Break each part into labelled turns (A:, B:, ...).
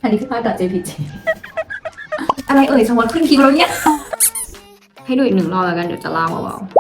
A: อันนี้คือภาพ .jpg อะไรเอ่ยสมมติขึ้นคลิปแล้วเนี่ยให้ดูอีกหนึ่งรอบแล้วกันเดี๋ยวจะเล่าเบาๆ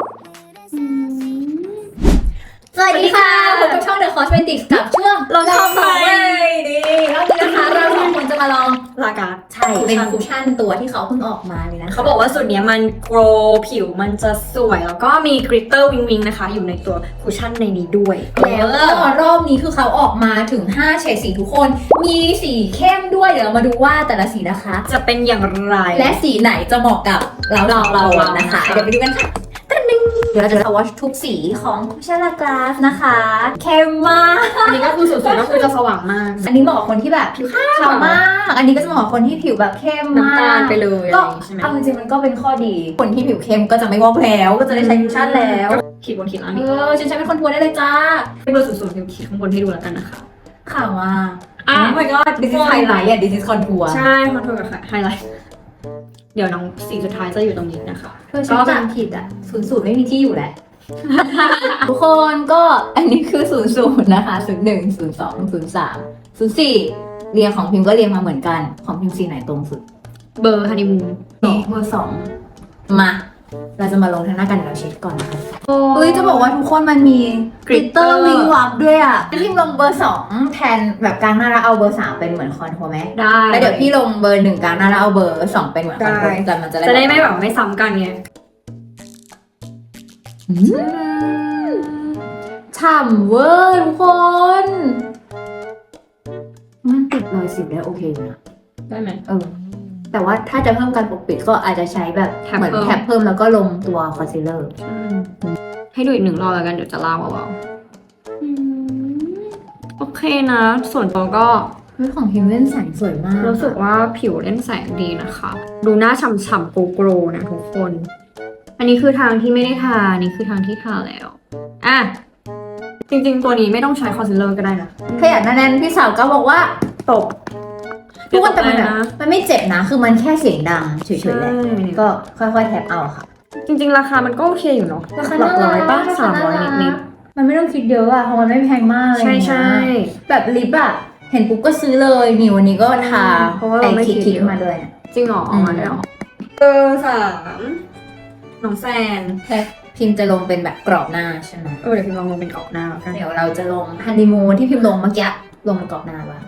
A: สวัสดีค่ะพบกับช่อง The Cosmetics กับช่วงลองทำใหม่ดีรอบนี้นะคะเราสองคนจะมาลอง
B: ลากา
A: ใช่เป็นคุชชั่นตัวที่เขาเพิ่งออกมาเลยนะ
B: เขาบอกว่าสูตรนี้มันโกรผิวมันจะสวยแล้วก็มีกริตเตอร์วิงวิงนะคะ อยู่ในตัวคุชชั่นในนี้ด้วย
A: แล้วก็รอบนี้คือเขาออกมาถึง5เฉดสีทุกคนมีสีเข้มด้วยเดี๋ยวเรามาดูว่าแต่ละสีนะคะ
B: จะเป็นอย่างไร
A: และสีไหนจะเหมาะกับเรานะคะเดี๋ยวไปดูกันค่ะเดี๋ยวเราจะสวอชทุกสีของคุชชั่นลากราสนะคะเข้มมาก
B: อันนี้ก็คือสูตรก็คือจะสว่างมาก
A: อันนี้เหมาะกับคนที่แบบผิวขาวมาก อันนี้ก็จะเหมาะกับคนที่ผิวแบบเข้มมาก
B: น้ำตาลไปเลยอะไร
A: ก็
B: อย่างงี้ใช่ไหม
A: เอาจริงๆมันก็เป็นข้อดี คนที่ผิวเข้มก็จะไม่วอกแล้วก็จะได้ใช้คุชชั่นแล้ว
B: ขีดบนขีดล่าง
A: เอ
B: นี่
A: อฉันใช้เป็นคอนทัวร์ได้เลยจ้า
B: เป็นเบอร์00เดี๋ยวขีดข้างบนให้ดูแล้วกันนะคะ
A: ขาวมาก
B: อ่ะ
A: Oh my god this is highlight อ่ะ this is contour
B: ใช่คอนโทรลกับไฮไลท์เดี๋ยวน้องสีสุดท้ายจะอยู่ตรงนี้นะคะ
A: เธอฉันจำผิดอ่ะ00ไม่มีที่อยู่แหละ ทุกคนก็อันนี้คือ00นะคะ01 02 03 04เรียงของพิมพ์ก็เรียงมาเหมือนกันของพิมพ์สีไหนตรงสุด
B: เบอร์ฮันนีมูน
A: นี่เบอร์2มาเราจะมาลงทางหน้ากันเดี๋ยวเราเช็คก่อนนะคะเฮ้ยจะบอกว่าทุกคนมันมีกริตเตอร์วิงวับด้วยอ่ะพิมพ์ลงเบอร์2แทนแบบกลางหน้าแล้วเอาเบอร์3เป็นเหมือนคอนทัวร์ไหม
B: ได้
A: แล้วเดี๋ยวพี่ลงเบอร์1กลางหน้าแล้วเอาเบอร์2เป็นเหมือนคอนทัวร์แต่มันจะ
B: จะได้ไม่แบบไม่ซ้ำกันไง
A: ฉ่ำเวอร์ทุกคน มันติดรอยสิวได้โอเคอยู่นะ
B: ได้ไหม
A: แต่ว่าถ้าจะเพิ่มการปกปิดก็อาจจะใช้แบบ
B: แท็บ
A: เหมือน
B: เพิ่ม
A: แท็บเพิ่มแล้วก็ลงตัวคอนซีลเลอร์
B: ให้ดูอีกหนึ่งรอบแล้วกันเดี๋ยวจะเล่าเบาๆโอเคนะ ส่วนตัวก็
A: เฮ้ยของพิมพ์เล่นแสงสวยมาก
B: รู้สึกว่าผิวเล่นแสงดีนะคะ ดูหน้าฉ่ำๆโกรๆนะทุกคน อันนี้คือทางที่ไม่ได้ทาอันนี้คือทางที่ทาแล้วอ่ะจริงๆตัวนี้ไม่ต้องใช้คอนซีลเลอร์ก็ได้นะ
A: ถ้าอยากแน่นๆพี่สาวก็บอกว่า
B: ตบ
A: ทุกคนแต่มันแบบ
B: นะ
A: มันไม่เจ็บนะ คือมันแค่เสียงดังเฉยๆแหละ
B: ใช่
A: ก็ค่อยๆแท็บเอาค่ะ
B: จริงๆราคามันก็โอเคอยู่เนาะ
A: ราคา
B: หลักร้อยป่ะ
A: น่ารัก
B: 300นิด
A: มันไม่ต้องคิดเยอะอะเพราะมันไม่แพงมากเลย
B: ๆใช่ใช่
A: แบบลิปอะเห็นปุ๊บก็ซื้อเลยนี่วันนี้ก็ทา
B: เพราะว่าเราไม่
A: ไอ้
B: คิ
A: คิ
B: ด
A: ด
B: เยอะ
A: มาด้วยนะ
B: จริงเหรอ
A: อืม
B: มาแล้วเบอร์3น้องแซน
A: แค่พิมพ์จะลงเป็นแบบกรอบหน้าใช่ไหม
B: เดี๋ยวพิมพ์ลองลงเป็นกรอบหน้าแล้วกัน
A: เดี๋ยวเราจะลงฮันนีมูนที่พิมพ์ลงเมื่อกี้ลงเป็นกรอบหน้าบ้าง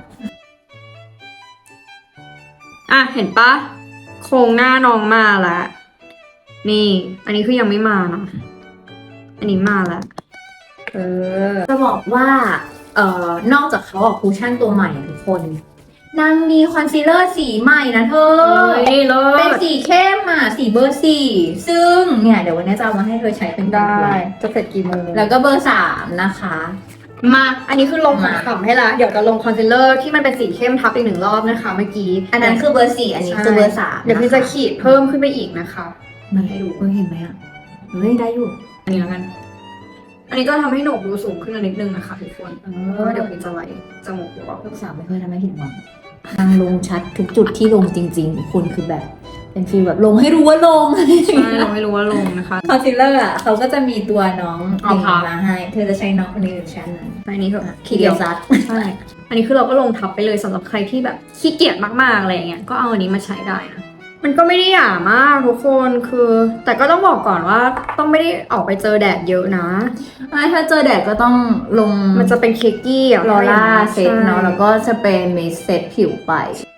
B: อ่ะเห็นปะโครงหน้าน้องมาแล้วนี่ อันนี้คือยังไม่มานะอันนี้มาแล้ว
A: จะบอกว่านอกจากเขาออกคูชั่นตัวใหม่อะทุกคนนางมีคอนซีลเลอร์สีใหม่นะเธอ
B: เฮ้ยเลิ
A: เป็น
B: ศ
A: สีเข้มอ่ะสีเบอร์ 4ซึ่งเนี่ยเดี๋ยววันนี้จะเอามาให้เธอใช้เป็นตัว
B: จะเสร็จกี่โมง
A: แล้วก็เบอร์ 3นะคะ
B: มา อันนี้คือลงของ
A: มา
B: ขำให้ละเดี๋ยวจะลงคอนซีลเลอร์ที่มันเป็นสีเข้มทับอีก1 รอบนะคะเมื่อกี้
A: อันนั้นคือเบอร์ 4อันนี้คือเบอร์ 3
B: เดี๋ยวพี่จะขีดเพิ่มขึ้นไปอีกนะคะ
A: มาให้ดูเห็นไหมอ่ะเฮ้ยได้อยู่
B: อันนี้แล้วกัน อันนี้ก็ทำให้โหนกดูสูงขึ้นนิดนึงนะคะทุกคนเพราะว่าเดี๋ยวพี่จะไล่จมูกหรือเปล่า
A: ลูกสาวไม่เคยทำให้ผิดหวังนางลงชัดทุกจุดที่ลงจริงๆคุณคือแบบ เป็นฟีลแบบลงให้รู้ว่าลง
B: ใช่เราไม่รู้ว่าลงนะคะ
A: คอนซีลเลอร์อ่ะเขาก็จะมีตัวน้อง
B: อ๋อ
A: ดึง
B: ค่ะ
A: มาให้ เธอจะใช้น้องคนนี้หรือชั้นนั้น
B: อันนี้คือ
A: คีเดียวซัด
B: ใช่ อันนี้คือเราก็ลงทับไปเลยสำหรับใครที่แบบขี้เกียจมากๆอะไรอย่างเงี้ย ก็เอาอันนี้มาใช้ได้นะ มันก็ไม่ได้หยามากทุกคนคือ แต่ก็ต้องบอกก่อนว่าต้องไม่ได้ออกไปเจอแดดเยอะนะ
A: ถ้าเจอแดดก็ต้องลง
B: มันจะเป็นเคกกี้อะ
A: ลอร่าเซตเนาะ
B: ใช่
A: แล้วก็สเปรย์มิสเซตผิวไป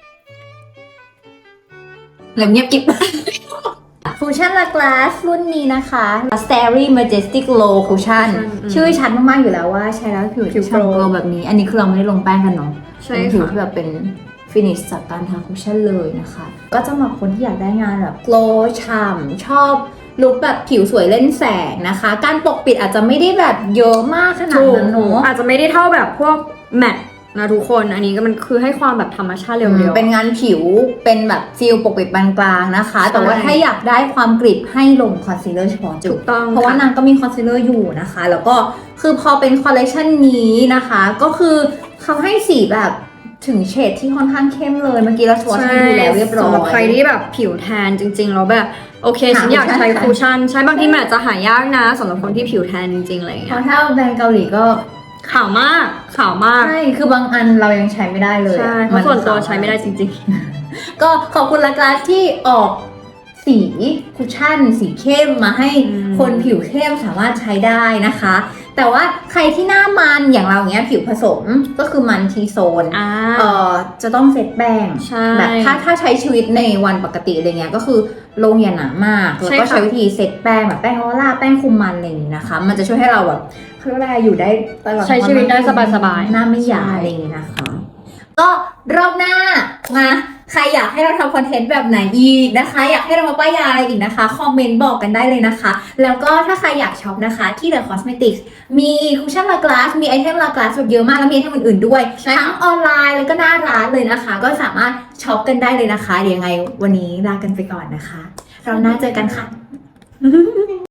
A: แล้วเงียบกิ๊บ คูชั่นลากลาสรุ่นนี้นะคะ Starry Majestic Glow Cushion ชื่อชัดมากๆอยู่แล้วว่าใช้แล้วผิวฉ่ำโกลแบบนี้ อันนี้คือเราไม่ได้ลงแป้งกันเนาะ
B: ใช่
A: เป็นผิว
B: ค่ะ
A: ที่แบบเป็นฟินิชจากการทาคุชชั่นเลยนะคะ ก็จะเหมาะคนที่อยากได้งานแบบ glow ฉ่ำชอบลุคแบบผิวสวยเล่นแสงนะคะ การปกปิดอาจจะไม่ได้แบบเยอะมากขนาด
B: ถูก
A: นั้นเนอะ
B: อาจจะไม่ได้เท่าแบบพวกแมทนะทุกคน อันนี้ก็มันคือให้ความแบบธรรมชาติเร็วๆ
A: เป็นงานผิวเป็นแบบฟิลปกปิดปานกลางนะคะ
B: ใช่
A: แต่ว่าถ้าอยากได้ความกริบให้ลงคอนซีลเลอร์เฉพาะจุ
B: ถู
A: ด
B: กต้อง
A: เพราะว่า
B: ค่ะ
A: นางก็มีคอนซีลเลอร์อยู่นะคะ แล้วก็คือพอเป็นคอลเลคชันนี้นะคะ ก็คือเขาให้สีแบบถึงเฉดที่ค่อนข้างเข้มเลยเมื่อกี้เราสวอชให้ดูแล้วเรียบร้อย
B: สำหรับใครที่แบบผิวแทนจริงๆแล้วแบบโอเค
A: หา
B: ฉันอยากใช้
A: คูชั่น
B: คูชั่นใช้บางทีมันอาจจะหายากนะสำหรับคนที่ผิวแทนจริงๆอะไรอย่าง
A: เพ
B: เงี้ย
A: ราะถ้าแบรนด์เกาหลีก็
B: ขาวมากขาวมาก
A: ใช่ คือบางอันเรายังใช้ไม่ได้เลย
B: ใช่เพราะส่วนตัวใช้ไม่ได้จริง
A: ก็ขอบคุณลากาที่ออกสีคุชชั่นสีเข้มมาให้
B: อืม
A: คนผิวเข้มสามารถใช้ได้นะคะ แต่ว่าใครที่หน้ามันอย่างเราเนี้ยผิวผสมก็คือมันทีโซน
B: ๆ
A: จะต้องเซตแป้ง
B: ใช่
A: แบบถ้าใช้ชีวิตในวันปกติอะไรเงี้ยก็คือลงอย่าหนามากแล้ว
B: ใช่
A: ก็
B: ค่ะ
A: ใช้วิธีเซตแป้งแบบแป้งออร่าแป้งคุมมันอะไรอย่างงี้นะคะ มันจะช่วยให้เราแบบเขาเรียกว่าอะไรอยู่ได้ตลอด
B: ใช้ชีวิตได้สบายๆ
A: หน้าไม่หยา
B: ใช่
A: อะไรอย่างงี้นะคะ ก็รอบหน้ามาใครอยากให้เราทำคอนเทนต์แบบไหนอีกนะคะ อยากให้เรามาป้ายยาอะไรอีกนะคะคอมเมนต์บอกกันได้เลยนะคะ แล้วก็ถ้าใครอยากช็อปนะคะที่ The Cosmetics มีคุชชั่นลากลาสมีไอเทมลากลาสแบบเยอะมากแล้วมีไอเทมอื่นๆด้วย
B: ใช่ค่ะ
A: ทั้งออนไลน์แล้วก็หน้าร้านเลยนะคะ ก็สามารถช็อปกันได้เลยนะคะเดี๋ยวยังไงวันนี้ลากันไปก่อนนะคะ เราหน้าเจอกันค่ะ